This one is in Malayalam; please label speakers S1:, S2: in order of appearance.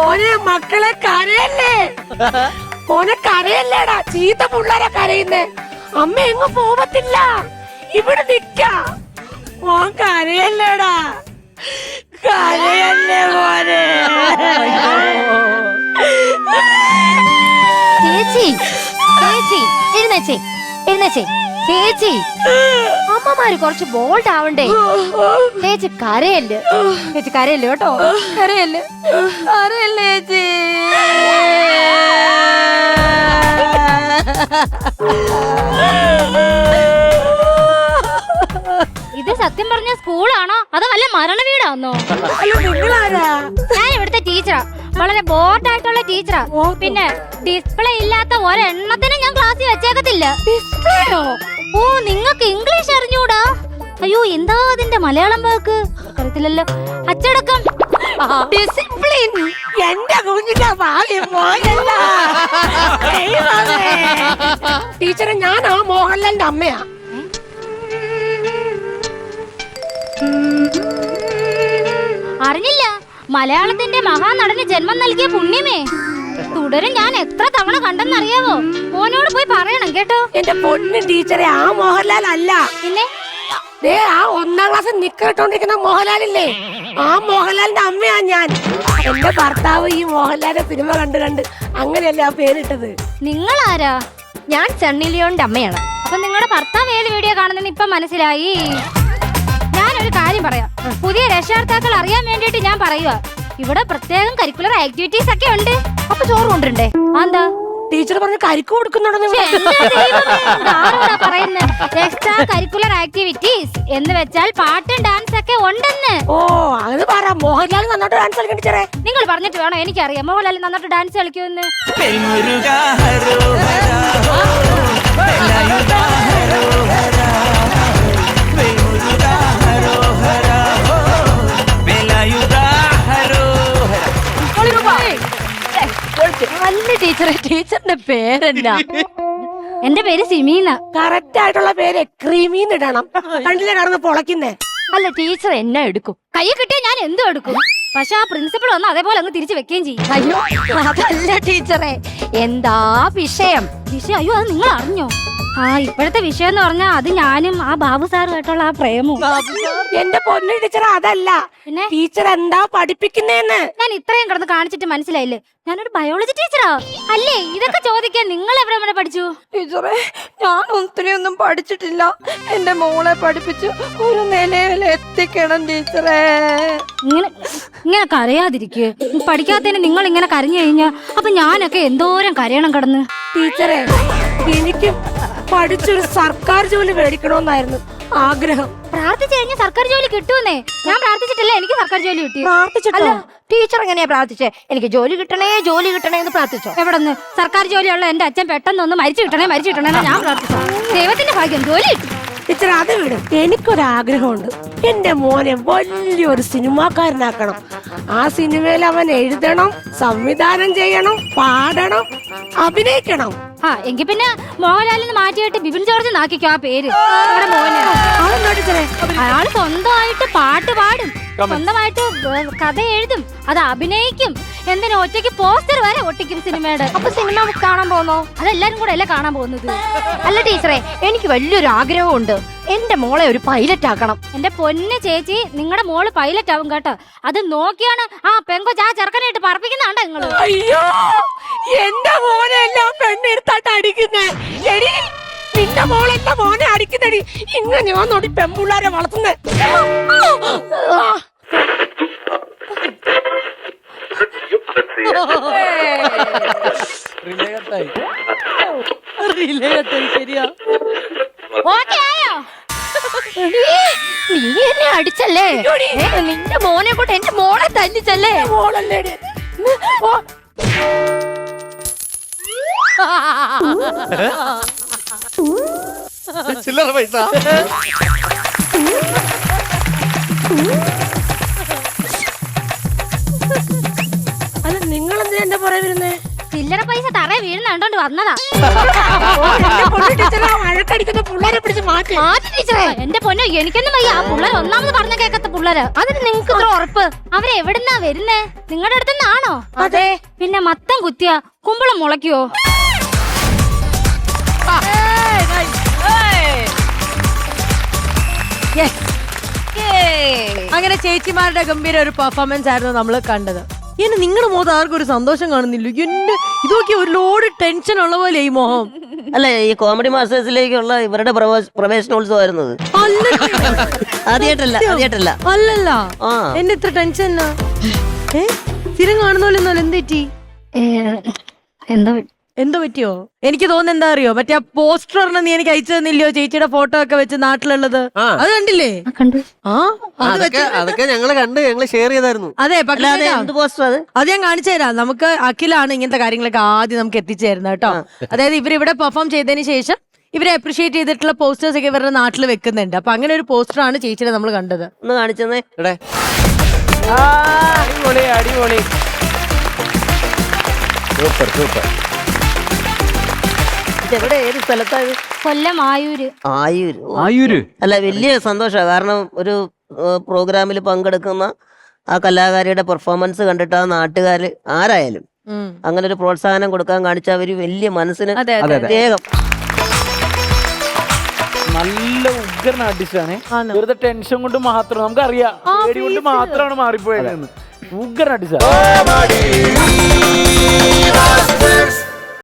S1: മോനെ മക്കളെ കരയല്ലേ, മോനെ കരയല്ലേടാ, ചീത്ത പിള്ളേരെ കരയുന്നേ. അമ്മ എങ്ങും പോവത്തില്ല, ഇവിടെ നിക്ക. മോൻ കരയല്ലേടാ, കരയല്ലേ മോനെ.
S2: ചേച്ചി ചേച്ചി എഴുന്നേച്ചേ എഴുന്നേച്ചേ ചേച്ചി. അമ്മമാര് കുറച്ച് ബോൾഡ് ആവണ്ടേ. ചേച്ചി കരയല്ലേ, ചേച്ചി കരയല്ലേ കേട്ടോ, കരയല്ലേ കരയല്ലേ ചേച്ചി. ഇത് സത്യം പറഞ്ഞ സ്കൂളാണോ അതോ വല്ല മരണ വീടാന്നോ? ഞാൻ ഇവിടുത്തെ ടീച്ചറാ, വളരെ ബോർഡായിട്ടുള്ള ടീച്ചറാ. പിന്നെ ഡിസ്പ്ലേ ഇല്ലാത്ത ഒരെണ്ണത്തിനും ഞാൻ ക്ലാസ്സിൽ വെച്ചേക്കത്തില്ല. ഡിസ്പ്ലേയോ? ഓ, നിങ്ങൾക്ക് ഇംഗ്ലീഷ് അറിഞ്ഞൂടാ? അയ്യോ, എന്താ അതിന്റെ മലയാളം വാക്ക് അറിയത്തില്ലല്ലോ. അച്ചടക്കം, ഡിസിപ്ലിൻ.
S1: എന്റെ കുഞ്ഞിന്റെ ഭാഗ്യം മോനല്ല. ടീച്ചറെ, ഞാൻ ആ മോഹൻലാലിന്റെ അമ്മയാ.
S2: അറിഞ്ഞില്ല? മലയാളത്തിന്റെ മഹാനടന് ജന്മം നൽകിയ പുണ്യമേ. തുടരും ഞാൻ എത്ര തവണ കണ്ടെന്നറിയാവോ? മോനോട് പോയി പറയണം കേട്ടോ.
S1: എന്റെ പൊന്നു ടീച്ചറെ, ആ മോഹൻലാൽ അല്ല.
S2: പിന്നെ
S1: ആ 1ാം ക്ലാസ് നിക്കറിട്ടോണ്ടിരിക്കുന്ന മോഹൻലാലില്ലേ, ആ മോഹൻലാലിന്റെ അമ്മയാ ഞാൻ. എന്റെ ഭർത്താവ് ഈ മോഹൻലാലിന്റെ സിനിമ കണ്ട് അങ്ങനെയല്ലേ ആ പേരിട്ടത്.
S2: നിങ്ങൾ ആരാ?
S3: ഞാൻ സണ്ണി ലിയോണിന്റെ അമ്മയാണ്.
S2: അപ്പൊ നിങ്ങളുടെ ഭർത്താവ് ഏത് വീഡിയോ കാണുന്നെന്ന് ഇപ്പൊ മനസ്സിലായി. ഞാനൊരു കാര്യം പറയാം, പുതിയ രക്ഷകർത്താക്കൾ അറിയാൻ വേണ്ടിട്ട് ഞാൻ പറയുക. ഇവിടെ പ്രത്യേകം കരിക്കുലർ ആക്ടിവിറ്റീസ് ഒക്കെ ഉണ്ട്.
S3: അപ്പൊ ചോറ് കൊണ്ടിരണ്ടേ?
S2: എന്താ
S1: ടീച്ചർ പറഞ്ഞ കരിക്ക് കൊടുക്കുന്നുണ്ടെന്ന്
S2: എക്സ്ട്രാ കരിക്കുലർ ആക്ടിവിറ്റീസ് എന്ന് വെച്ചാൽ പാട്ടും ഡാൻസ് ഒക്കെ ഉണ്ടെന്ന്.
S1: ഓ, അത് പറ. മോഹൻലാൽ നന്നായിട്ട് ഡാൻസ് കളിക്കണം ടീച്ചറെ.
S2: നിങ്ങൾ പറഞ്ഞിട്ട് വേണോ എനിക്കറിയാം മോഹൻലാൽ നന്നായിട്ട് ഡാൻസ് കളിക്കുമെന്ന്.
S3: നല്ല ടീച്ചറെ, ടീച്ചറിന്റെ പേരെന്താ?
S2: എന്റെ പേര് സിമീന.
S1: കറക്റ്റ് ആയിട്ടുള്ള പേര് ക്രീമീന്ന് ഇടണം. കണ്ടില്ലേ കടന്ന് പൊളക്കുന്നേ.
S3: അല്ല, ടീച്ചർ എന്നാ എടുക്കും?
S2: കൈ കിട്ടിയാൽ ഞാൻ എന്തും എടുക്കും. പക്ഷെ ആ പ്രിൻസിപ്പൾ വന്ന് അതേപോലെ അങ്ങ് തിരിച്ചു വെക്കുകയും ചെയ്യും.
S3: അയ്യോ, അതല്ല ടീച്ചറെ, എന്താ വിഷയം?
S2: വിഷയം? അയ്യോ, അത് നിങ്ങൾ അറിഞ്ഞോ? ആ, ഇപ്പോഴത്തെ വിഷയം എന്ന് പറഞ്ഞാൽ അത് ഞാനും ആ ബാബു സാറുമായിട്ടുള്ള ആ പ്രേമവും.
S1: എന്റെ പൊന്നു ടീച്ചർ, അതല്ല.
S2: പിന്നെ
S1: ടീച്ചർ എന്താ പഠിപ്പിക്കുന്നേന്ന്
S2: ഞാൻ ഇത്രയും കിടന്ന് കാണിച്ചിട്ട് മനസ്സിലായില്ലേ? ഞാനൊരു ബയോളജി ടീച്ചറാ അല്ലേ? ഇതൊക്കെ ചോദിക്കാൻ നിങ്ങൾ എവിടെ വരെ പഠിച്ചു?
S3: ടീച്ചറെ, ഞാൻ ഒത്തിരിയൊന്നും പഠിച്ചിട്ടില്ല. എന്റെ മോളെ പഠിപ്പിച്ച് ഒരു നിലയിൽ എത്തിക്കണം ടീച്ചറെ.
S2: ഇങ്ങനെ കരയാതിരിക്കുക. പഠിക്കാത്തതിന് നിങ്ങൾ ഇങ്ങനെ കരഞ്ഞു കഴിഞ്ഞാ അപ്പൊ ഞാനൊക്കെ എന്തോരം കരയണം കിടന്ന്.
S1: ടീച്ചറെ, എനിക്ക് പഠിച്ചൊരു സർക്കാർ ജോലി മേടിക്കണമെന്നായിരുന്നു ആഗ്രഹം.
S2: പ്രാർത്ഥിച്ചു കഴിഞ്ഞാൽ സർക്കാർ ജോലി കിട്ടുമെന്നേ. ഞാൻ പ്രാർത്ഥിച്ചിട്ടില്ല, എനിക്ക് സർക്കാർ ജോലി കിട്ടി.
S3: അല്ല, ടീച്ചർ എങ്ങനെയാ പ്രാർത്ഥിച്ചേ? എനിക്ക് ജോലി കിട്ടണേ ജോലി കിട്ടണേ എന്ന് പ്രാർത്ഥിച്ചോ?
S2: എവിടെന്ന്? സർക്കാർ ജോലിയുള്ള എന്റെ അച്ഛൻ പെട്ടെന്നൊന്ന് മരിച്ചു കിട്ടണേ ഞാൻ പ്രാർത്ഥിച്ചു. ദൈവത്തിന്റെ ഭാഗ്യം, ജോലി കിട്ടി.
S1: ടീച്ചർ, അത് വിടും. എനിക്കൊരാഗ്രഹമുണ്ട്. എന്റെ മോനെ വലിയൊരു സിനിമാക്കാരനാക്കണം. ആ സിനിമയിൽ അവൻ എഴുതണം, സംവിധാനം ചെയ്യണം, പാടണം, അഭിനയിക്കണം.
S2: ആ, എങ്കിൽ പിന്നെ മോഹൻലാലിന് മാറ്റിയിട്ട് ബിപിൻ ജോർജ് നാക്കിക്കോ ആ പേര്. മോന് അയാൾ സ്വന്തമായിട്ട് പാട്ട് പാടും, സ്വന്തമായിട്ട് കഥ എഴുതും, അത് അഭിനയിക്കും, എന്തിനാ ഒറ്റയ്ക്ക് പോസ്റ്റർ വരെ ഒട്ടിക്കും സിനിമയുടെ.
S3: അപ്പൊ സിനിമ കാണാൻ പോന്നോ?
S2: അതെല്ലാരും കൂടെ അല്ലേ കാണാൻ പോകുന്നത്?
S3: അല്ല ടീച്ചറെ, എനിക്ക് വലിയൊരു ആഗ്രഹമുണ്ട്. എന്റെ മോളെ ഒരു പൈലറ്റ് ആക്കണം.
S2: എന്റെ പൊന്ന് ചേച്ചി, നിങ്ങളുടെ മോള് പൈലറ്റ് ആവും കേട്ടോ. അത് നോക്കിയാണ് ആ പെങ്കൊച്ച് ആ ചെറുക്കനായിട്ട് പറപ്പിക്കുന്നുണ്ടോ നിങ്ങള്?
S1: അയ്യോ, എന്റെ മോനെ എല്ലാം പെണ്ണെടുത്തായിട്ട് അടിക്കുന്നേ. എടി, നിന്റെ മോളെ എന്റെ മോനെ അടിക്കുന്നടി. ഇങ്ങനെ വന്നോടി പെൺപിള്ളാരെ വളർത്തുന്നേ.
S3: നീ എന്നെ അടിച്ചല്ലേ? നിന്റെ മോനെ കൊണ്ട് എന്റെ മോളെ തല്ലിച്ചല്ലേ?
S1: മോളല്ലേ
S4: ചില്ലറ പൈസ.
S1: അല്ല, നിങ്ങളെന്തിനാ എന്റെ പുറകെ വരുന്നേ?
S2: ചില്ലറ പൈസ തറ വീഴുന്നുണ്ടോണ്ട് വന്നതാ.
S1: ടീച്ചറെ വഴക്കടിക്കുന്ന പിള്ളേരെ പിടിച്ച് മാറ്റി
S2: ടീച്ചറെ എന്റെ പൊന്നോ, എനിക്കൊന്നും വയ്യ. ആ പിള്ളേർ ഒന്നാമത് പറഞ്ഞ കേക്കത്ത പിള്ളേര്. അതിന് നിങ്ങൾക്ക് ഇത്ര ഉറപ്പ്? അവരെവിടുന്നാ വരുന്നേ? നിങ്ങളുടെ അടുത്തുനിന്നാണോ?
S1: അതെ.
S2: പിന്നെ മത്തം കുത്തിയ കുമ്പളം മുളയ്ക്കുവോ?
S3: അങ്ങനെ ചേച്ചിമാരുടെ ഗംഭീര ഒരു പെർഫോമൻസ് ആയിരുന്നു നമ്മൾ കണ്ടത്. ഇനി നിങ്ങളുടെ മുഖത്ത് ആർക്കും ഒരു സന്തോഷം കാണുന്നില്ല. എന്റെ ഇതൊക്കെ ഒരു ലോഡ് ടെൻഷൻ ഉള്ള പോലെ ഈ മോഹം.
S5: അല്ല, ഈ കോമഡി മാസ്റ്റേഴ്സിലേക്കുള്ള ഇവരുടെ പ്രവേശനോത്സവമായിരുന്നത്. ആദ്യമായിട്ടല്ല.
S3: അല്ലല്ല,
S5: ആ.
S3: എന്റെ ഇത്ര ടെൻഷൻ സ്ഥിരം കാണുന്ന പോലെ എന്ത് പറ്റി? എന്തോ പറ്റിയോ? എനിക്ക് തോന്നുന്നു എന്താ അറിയോ, മറ്റേ ആ പോസ്റ്ററിന് നീ എനിക്ക് അയച്ചു തന്നില്ലയോ, ചേച്ചിയുടെ ഫോട്ടോ ഒക്കെ വെച്ച് നാട്ടിലുള്ളത്. അത് കണ്ടില്ലേ?
S2: കണ്ടു.
S3: ആ,
S4: അതൊക്കെ ഞങ്ങള് കണ്ട് ഞങ്ങള് ഷെയർ ചെയ്തായിരുന്നു.
S3: അതെ. പക്ഷേ
S5: എന്ത് പോസ്റ്റർ
S3: അത് ഞാൻ കാണിച്ചു തരാം. നമുക്ക് അഖിലാണ് ഇങ്ങനത്തെ കാര്യങ്ങളൊക്കെ ആദ്യം നമുക്ക് എത്തിച്ചേരുന്നത് കേട്ടോ. അതായത് ഇവരിവിടെ പെർഫോം ചെയ്തതിന് ശേഷം ഇവരെ അപ്രീഷിയേറ്റ് ചെയ്തിട്ടുള്ള പോസ്റ്റേഴ്സ് ഒക്കെ ഇവരുടെ നാട്ടിൽ വെക്കുന്നുണ്ട്. അപ്പൊ അങ്ങനെ ഒരു പോസ്റ്ററാണ് ചേച്ചിയുടെ നമ്മൾ കണ്ടത്.
S5: ഒന്ന് കാണിച്ചെന്നേ.
S6: അടിപൊളി അടിപൊളി, സൂപ്പർ സൂപ്പർ.
S5: എവിടെ, ഏത് സ്ഥലത്താണ്?
S2: കൊല്ലം ആയൂര്.
S5: ആയൂര്. അല്ല, വലിയ സന്തോഷമാണ്. കാരണം ഒരു പ്രോഗ്രാമിൽ പങ്കെടുക്കുന്ന ആ കലാകാരിയുടെ പെർഫോമൻസ് കണ്ടിട്ട് ആ നാട്ടുകാര് ആരായാലും അങ്ങനെ ഒരു പ്രോത്സാഹനം കൊടുക്കാൻ കാണിച്ച അവര് വലിയ മനസ്സിന് പ്രത്യേകം.
S6: നല്ല ഉഗ്രൻ ആർട്ടിസ്റ്റാണ്. വെറുതെ ടെൻഷൻ കൊണ്ട് മാത്രം, നമുക്കറിയാം പേടി കൊണ്ട് മാത്രമാണ് മാറിപ്പോയത്. ഉഗ്രൻ ആർട്ടിസ്റ്റ്.